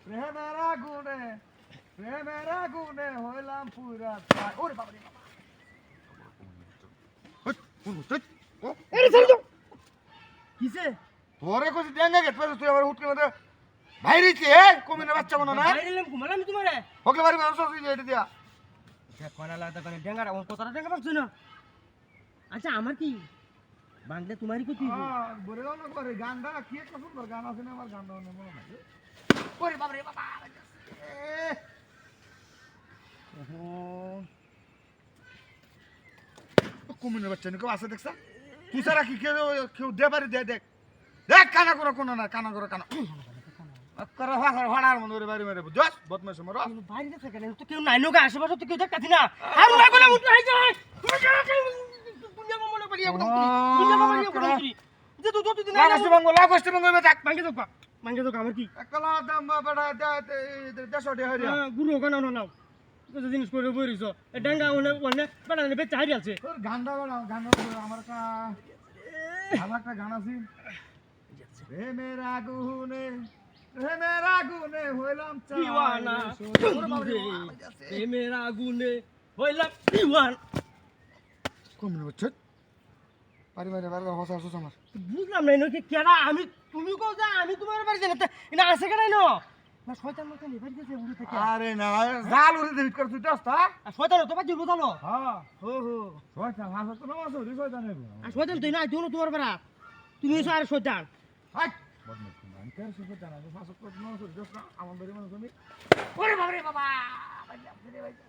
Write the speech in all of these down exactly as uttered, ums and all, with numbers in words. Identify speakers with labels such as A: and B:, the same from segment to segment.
A: প্রেমের আগুনে প্রেমের আগুনে হইলাম পুরা ছাই। ওরে বাবা রে বাবা। হট, কোন হট? ও,
B: এরে ছেড়ে দাও কিসে
A: তোরে কইছি ডেঙ্গা গেট পারে তুই আবার উঠকে মধ্যে ভাইরিছে এ কমিনা বাচ্চা মনে না?
B: বাইরেলাম ঘুমালাম তোমারে
A: হকলে বাড়ি মানুষ আছে এটা দিয়া।
B: দেখ কোনা লাগতা কোনা ডেঙ্গারা ওর কথাটা ডেঙ্গা পাচ্ছ না আচ্ছা আমার কি বাংলা তোমারই কতি
A: হ্যাঁ, বলে দাও না করে গানটা কি একটা সুন্দর গান আছে না আমার গানটা মনে মনে নাই। ওরে বাবা রে বাবা। এ,
B: ওহো
A: কমিনা বাচ্চা নিকো আছে দেখছ? তুই সারা কি কেউ কেউ দে পারি দে দেখ। দেখ কানা করে কোন না কানা করে কানা। করে হাসার হাড়ার মনে করে বাড়ি মেরে বুঝছস বদমাশ মর।
B: বাইরে থেকে কেন তো কেউ নাই নোগা আশেপাশে তো কেউ দেখতাছি না আর না বলে উঠে আই যায় দুনিয়া মনে করি এখন দুনিয়া মনে করি এখন যে তুই তুই দিন
A: লাগস্ট বঙ্গ লাগস্ট বঙ্গ বে দেখ।
B: মাঙ্গে তো মাঙ্গে তো আমার কি
A: একলা দাম বড় দেশ ওডে হরিয়া।
B: গুরু কেন না নাও কিছু জিনিস করে বইরিছ এ ডাঙ্গা ওনে ওনে বাড়া নে বেচা হারি আছে
A: তোর গানটা বড় গান আমার কা ভালো একটা গান আছে। প্রেমের আগুনে প্রেমের আগুনে হইলাম
B: দিওয়ানা প্রেমের আগুনে হইলাম দিওয়ানা
A: কমিনা বাচ্চা পারি মারে বারবার হসা হসা আমার।
B: বুঝলাম না এনকে কেডা আমি তুমি কও যা আমি তোমার বাড়ি যাই না এটা আছে কেডা না না শয়তান মত নি বাড়ি গেছে উড়ে থেকে
A: আরে না জাল উড়ে দিবি কর তুই দস্তা।
B: আর শয়তান তো বাজি বুঝালো
A: হ্যাঁ
B: হো হো
A: শয়তান হাসা তো নামাজ ওরে শয়তান নেব।
B: আর শয়তান তুই না তুই তোমার বাড়া তুমি এসে আর শয়তান
A: হাই বদমাশ কোন আমি কার সাথে জানা যে ফাসক করে নামাজ ওরে দস্তা আমার বাড়ি মানুষ আমি। ওরে বাবা রে বাবা বাড়ি আপনি রে ভাই।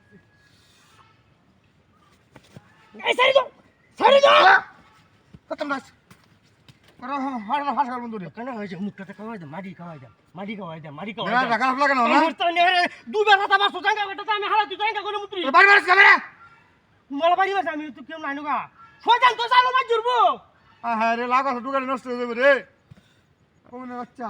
B: এই সারি দাও সারি দাও
A: খতম দাস করে হাড় না ফাসকাল বন্ধু রে।
B: কেন হয়েছে মুখটাতে খাওয়াই দে মাটি খাওয়াই দে মাটি খাওয়াই দে মাটি
A: না
B: খাওয়াই দে
A: টাকা লাগে না না
B: আমার তো নেরে দুবার হাতা বাসু জাঙ্গা বেটা আমি হালা তুই জাঙ্গা করে মুত্রি
A: বাড়ি মারিস ক্যামেরা।
B: মোলা বাড়ি বাসা আমি তো কেউ নাই নগা শয়তান তো জানো মাই জুরবো
A: হ্যাঁ রে লাগা টুকারি নষ্ট হয়ে যাবে রে কমিনা বাচ্চা।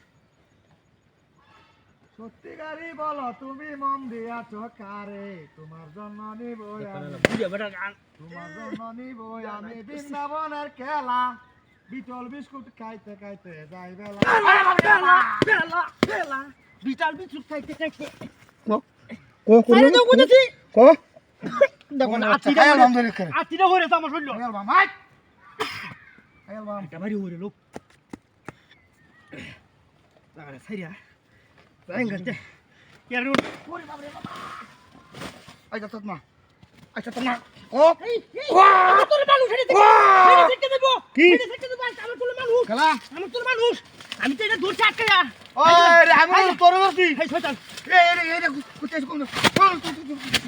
A: সত্যিকারই বলো তুমি মন দিয়াছ কারে তোমার জন্য নিব আমি
B: বুঝে বেটা গান
A: তোমার জন্য নিব আমি বৃন্দাবনের খেলা বিটল বিস্কুট খাইতে খাইতে যাই বেলা।
B: বেলা বেলা বেলা বিটাল বিচুক খাইতে খাইতে
A: কো
B: আরে তো বুঝেছি
A: কো
B: দেখো না
A: আচ্ছা
B: আতিটা
A: খাই
B: হরে
A: আলহামদুলিল্লাহ করে
B: আতিটা হরে তো আমার শরীর
A: আয়াল বাম আই আয়াল বাম
B: এটা বাড়ি হরে লোক আরে সাইরা জাঙ্গাতে ইয়ার
A: ওরে বাবা রে বাবা আই যা মা আচ্ছা তোমার ও
B: এই এই তোর মানুষ হেডে থেকে দেব
A: কি?
B: হেডে থেকে দেব আমার তোর মানুষ
A: খেলা
B: আমার তোর মানুষ আমি তো এটা দূর আটকে যা
A: ওই রে আমি তোর বসি
B: এই শয়তান
A: এই রে এই রে কুতে কোন